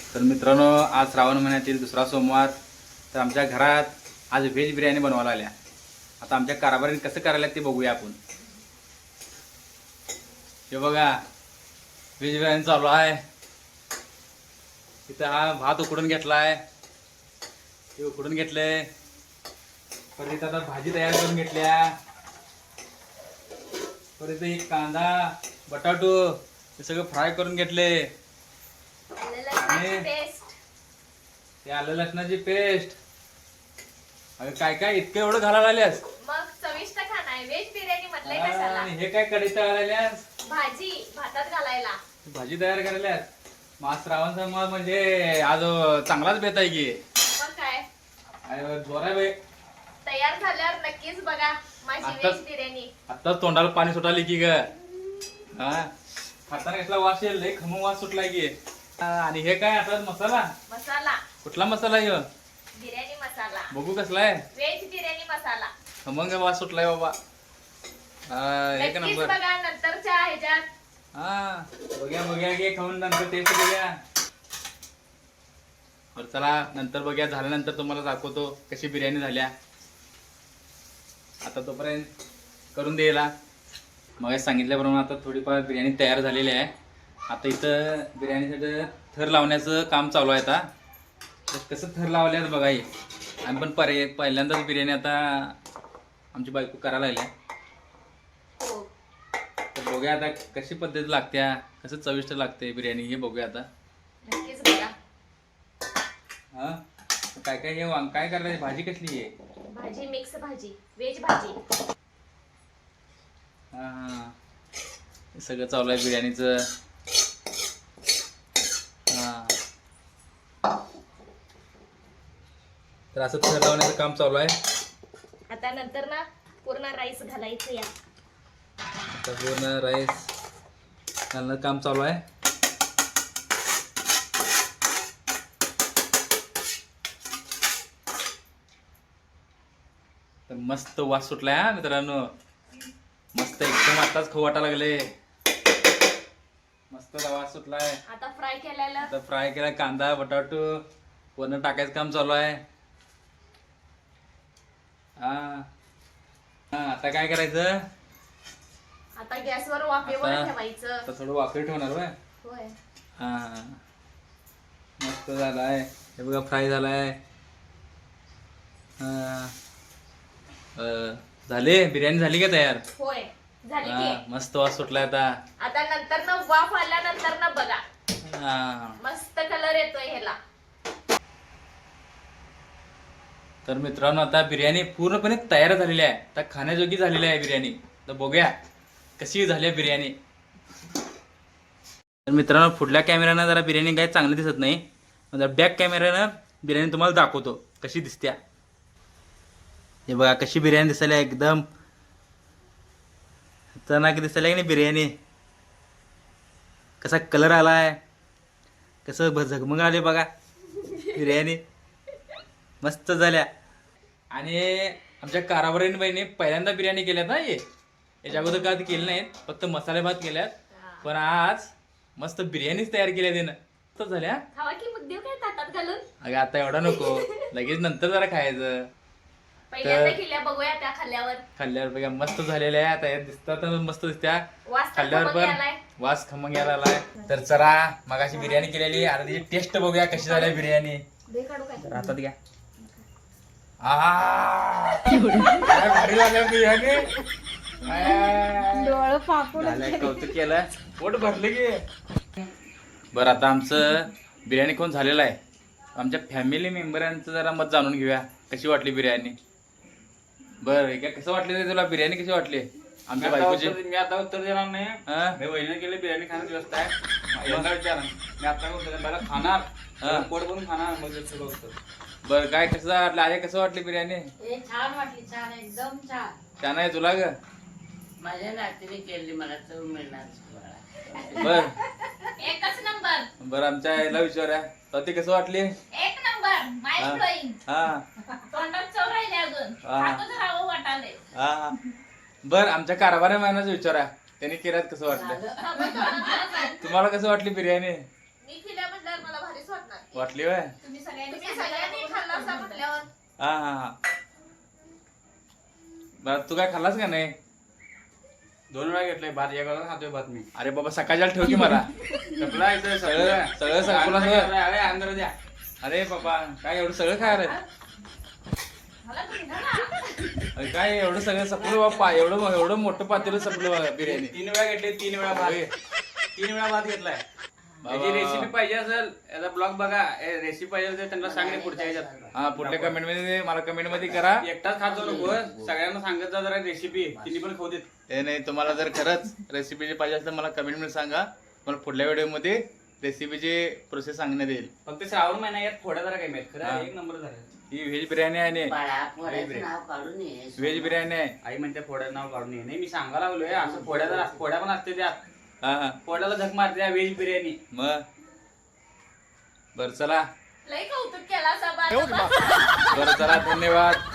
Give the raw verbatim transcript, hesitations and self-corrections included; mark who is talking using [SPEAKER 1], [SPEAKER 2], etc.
[SPEAKER 1] तर मित्रांनो, आज श्रावण महिन्यातील दुसरा सोमवार. तर आमच्या घरात आज व्हेज बिर्याणी बनवायला आल्या. आता आमच्या कारभारीने कसं करायला ते बघूया आपण. हे बघा, व्हेज बिर्याणी चालू आहे. इथं हा भात उकडून घेतला आहे, हे उकडून घेतलंय. परत आता भाजी तयार करून घेतल्या. परत एक कांदा बटाटो हे सगळं फ्राय करून घेतले. ते आलं लसणाची पेस्ट. अगं काय काय इतकं एवढं घालायला आल्यास?
[SPEAKER 2] मग चविष्ट खाना आहे. व्हेज बिर्याणी म्हटलंय कशाला.
[SPEAKER 1] हे काय कढईत आल्यास?
[SPEAKER 2] भाजी भातात घालायला.
[SPEAKER 1] भाजी तयार करायल्यास. मग श्रावण सोमवार म्हणजे आज चांगलाच बेत आहे की.
[SPEAKER 2] मग काय
[SPEAKER 1] जोर आहे बाई.
[SPEAKER 2] तयार झाल्यावर नक्कीच बघा माझी व्हेज बिर्याणी.
[SPEAKER 1] आता तोंडाला पाणी सुटाली की ग. हा, खाताना कसला वास येईल, लय खमंग वास सुटलाय की. आणि हे काय आता मसाला?
[SPEAKER 2] मसाला
[SPEAKER 1] कुठला मसाला आहे?
[SPEAKER 2] बिर्याणी मसाला.
[SPEAKER 1] बघू कसला आहे.
[SPEAKER 2] व्हेज बिर्याणी मसाला.
[SPEAKER 1] खमंग वास सुटलाय बाबा. एक
[SPEAKER 2] नक्कीच
[SPEAKER 1] नंबर.
[SPEAKER 2] बघा नंतरच्या ह्याच्यात.
[SPEAKER 1] हा, बघूया बघूया घे खाऊन नंतर टेस्ट बघूया. बरं चला, नंतर बघूया. झाल्यानंतर तुम्हाला दाखवतो कशी बिर्याणी झाल्या. आता तोपर्यंत करून द्यायला मग सांगितल्याप्रमाणे आता थोडीफार बिर्याणी तयार झालेली आहे. आता इथं बिर्याणीसाठी थर लावण्याचं काम चालू आहे. आता तर कसं थर लावल्यात बघा. हे आम्ही पण पर्याय पहिल्यांदाच बिर्याणी आता आमची बायको करायला लागली.
[SPEAKER 2] हो.
[SPEAKER 1] तर बघूया आता कशी पद्धत लागत्या, कसं चविष्ट लागते बिर्याणी हे बघूया आता.
[SPEAKER 2] नक्कीच बघा.
[SPEAKER 1] हा, काय काय हे वांग काय करायचं? भाजी कसली आहे?
[SPEAKER 2] भाजी मिक्स भाजी, व्हेज भाजी.
[SPEAKER 1] हा हा, हे सगळं चालू आहे बिर्याणीचं. हा, तर असं थर लावण्याचं काम चालू आहे.
[SPEAKER 2] आता नंतर ना पूर्ण राईस घालायचं. या
[SPEAKER 1] आता पूर्ण राईस घालणं काम चालू आहे. तर मस्त वास सुटलाय हा मित्रांनो. मस्त एकदम आताच खाऊ वाटायला लागले. मस्त वास सुटलाय.
[SPEAKER 2] आता फ्राय केलेलं.
[SPEAKER 1] आता फ्राय केला कांदा बटाटो वरण टाकायचं काम चालू आहे. हा हा, आता काय करायचं?
[SPEAKER 2] आता गॅसवर वाफेवर
[SPEAKER 1] आता-
[SPEAKER 2] ठेवायचं.
[SPEAKER 1] आता थोडं वाफेवर ठेवणार होय.
[SPEAKER 2] होय.
[SPEAKER 1] हा, मस्त झालाय. हे बघा फ्राय झालाय. हा, अं, झाले बिर्याणी झाली का तयार?
[SPEAKER 2] होय झाली
[SPEAKER 1] हा,
[SPEAKER 2] की.
[SPEAKER 1] मस्त वास सुटलाय आता.
[SPEAKER 2] आता नंतर ना वाफ आल्यानंतर ना बघा
[SPEAKER 1] हा,
[SPEAKER 2] मस्त कलर येतोय ह्याला.
[SPEAKER 1] तर मित्रांनो, आता बिर्याणी पूर्णपणे तयार झालेली आहे. आता खाण्याजोगी झालेली आहे बिर्याणी. तर बघूया कशी झाली आहे बिर्याणी. तर मित्रांनो, पुढल्या कॅमेऱ्यानं जरा बिर्याणी काही चांगली दिसत नाही. जरा बॅक कॅमेऱ्यानं बिर्याणी तुम्हाला दाखवतो कशी दिसत्या. हे बघा कशी बिर्याणी दिसायला एकदम खतरनाक दिसायला की नाही बिर्याणी. कसा कलर आलाय, कसं भ झगमग आले बघा बिर्याणी. मस्त झाल्या. आणि आमच्या कारभारीने बाईने पहिल्यांदा बिर्याणी केल्यात ना. हे याच्या अगोदर काय केलं नाहीत, फक्त मसाले भात केल्यात. पण आज मस्त बिर्याणीच तयार केल्या त्यानं. मस्त झाल्या.
[SPEAKER 2] खावा की मग देऊ काय ताटात घालून.
[SPEAKER 1] अगं आता एवढा नको, लगेच नंतर जरा खायचं.
[SPEAKER 2] पहिल्यांदा केल्या बघूया त्या खाल्ल्यावर.
[SPEAKER 1] खाल्ल्यावर बघा मस्त झालेल्या आहे. आता या दिसतात मस्त दिसत्या.
[SPEAKER 2] वास तर
[SPEAKER 1] खाल्ल्यावर
[SPEAKER 2] खमंग
[SPEAKER 1] पण
[SPEAKER 2] आलाय.
[SPEAKER 1] वास खमंग यायला आलाय. तर चला मगाशी बिर्याणी केलेली, आता त्याची टेस्ट बघूया कशी झाली बिर्याणी.
[SPEAKER 2] दे काढू काय.
[SPEAKER 1] तर आता घ्या. आ, काय भारी झालं बिर्याणी.
[SPEAKER 2] डोळं पापड
[SPEAKER 1] झालंय, कौतुक केलं, पोट भरलं की. बरं, आता आमचं बिर्याणी कोण झालेलं आहे. आमच्या फॅमिली मेंबरांचं जरा मत जाणून घेऊया कशी वाटली बिर्याणी. बरं, काय कसं वाटली रे तुला बिर्याणी? कशी वाटली आमच्या बायकोची?
[SPEAKER 3] मी आता उत्तर देणार नाही.
[SPEAKER 1] हा?
[SPEAKER 3] मी वहिनी केली बिर्याणी खाण्याची व्यवस्था आहे. यांना विचारा. मी आता उत्तर देणार. पहिला खाणार,
[SPEAKER 1] हा.
[SPEAKER 3] पोट भरून खाणार, मग ते सगळं उत्तर.
[SPEAKER 1] बरं, काय कसं वाटलं आहे? कसं वाटली बिर्याणी?
[SPEAKER 4] छान वाटली, छान, एकदम छान.
[SPEAKER 1] छान आहे तुला ग?
[SPEAKER 4] माझ्या नातीने केली, मला चव मिळणार.
[SPEAKER 1] बर
[SPEAKER 2] एकच नंबर.
[SPEAKER 1] बरं, आमच्या याला विचारा ते कसं वाटली?
[SPEAKER 2] एक नंबर. Mind blowing.
[SPEAKER 1] हा
[SPEAKER 2] तोंडात चव राहिली अजून.
[SPEAKER 1] हा.
[SPEAKER 2] खातच राहावं वाटाले.
[SPEAKER 1] हा, बर आमच्या कारभारी महिन्याचं विचारा त्यांनी केल्यात कसं वाटलं.
[SPEAKER 2] हा, मग थोडं थोडं सांग.
[SPEAKER 1] तुम्हाला कसं वाटली बिर्याणी?
[SPEAKER 2] मी केल्या म्हटल्यावर मला भारी वाटणार
[SPEAKER 1] वाटली वय
[SPEAKER 2] तुम्ही सगळ्यांनी तुम्ही सगळ्यांनी खाल्ला असा म्हटल्यावर
[SPEAKER 1] हा हा हा बरं तू काय खाल्लास का नाही?
[SPEAKER 3] दोन वेळा घेतलंय भात एक वेळा खातोय भात मी
[SPEAKER 1] अरे बाबा सकाळच्या ठेव की मला
[SPEAKER 3] सगळं येतोय
[SPEAKER 1] सगळं सगळं संपलं सगळं.
[SPEAKER 3] अरे अंदर द्या
[SPEAKER 1] अरे बाबा काय एवढं सगळं खायला
[SPEAKER 2] मला तुम्ही ना
[SPEAKER 1] अरे काय एवढं सगळं सपलं बाप्पा एवढं एवढं मोठं पातेलं सपलं बा बिर्याणी.
[SPEAKER 3] तीन वेळा घेतले तीन वेळा भात तीन वेळा भात घेतलाय त्याची रेसिपी पाहिजे असेल याचा ब्लॉग बघा रेसिपी पाहिजे असेल त्यांना सांगणे पुढच्या ह्याच्यात
[SPEAKER 1] हा पुढल्या कमेंट मध्ये मला कमेंट मध्ये करा.
[SPEAKER 3] एकटाच खात जाऊ नको सगळ्यांना सांगत जा जरा रेसिपी तिने पण खाऊ देत.
[SPEAKER 1] ते नाही तुम्हाला जर खरंच रेसिपीची पाहिजे असेल तर मला कमेंट मध्ये सांगा. मला पुढल्या व्हिडिओ मध्ये रेसिपीची प्रोसेस सांगण्यात येईल.
[SPEAKER 3] फक्त श्रावण महिना यात थोड्या जरा काही माहित
[SPEAKER 1] हा.
[SPEAKER 3] खरं एक नंबर झाला.
[SPEAKER 1] ही व्हेज बिर्याणी आहे
[SPEAKER 4] बाळा पोराचं नाव काढून ये
[SPEAKER 1] व्हेज बिर्याणी आहे.
[SPEAKER 3] आई म्हणते फोड्या नाव काढून ये नाही मी सांगायला लागलोय असं फोड्या जरा फोड्या पण असते त्यात
[SPEAKER 1] हा हा
[SPEAKER 3] फोड्याला झक मारते व्हेज बिर्याणी.
[SPEAKER 1] मग बरं चला
[SPEAKER 2] लई कौतुक केला असा बाळा
[SPEAKER 1] बरं चला धन्यवाद.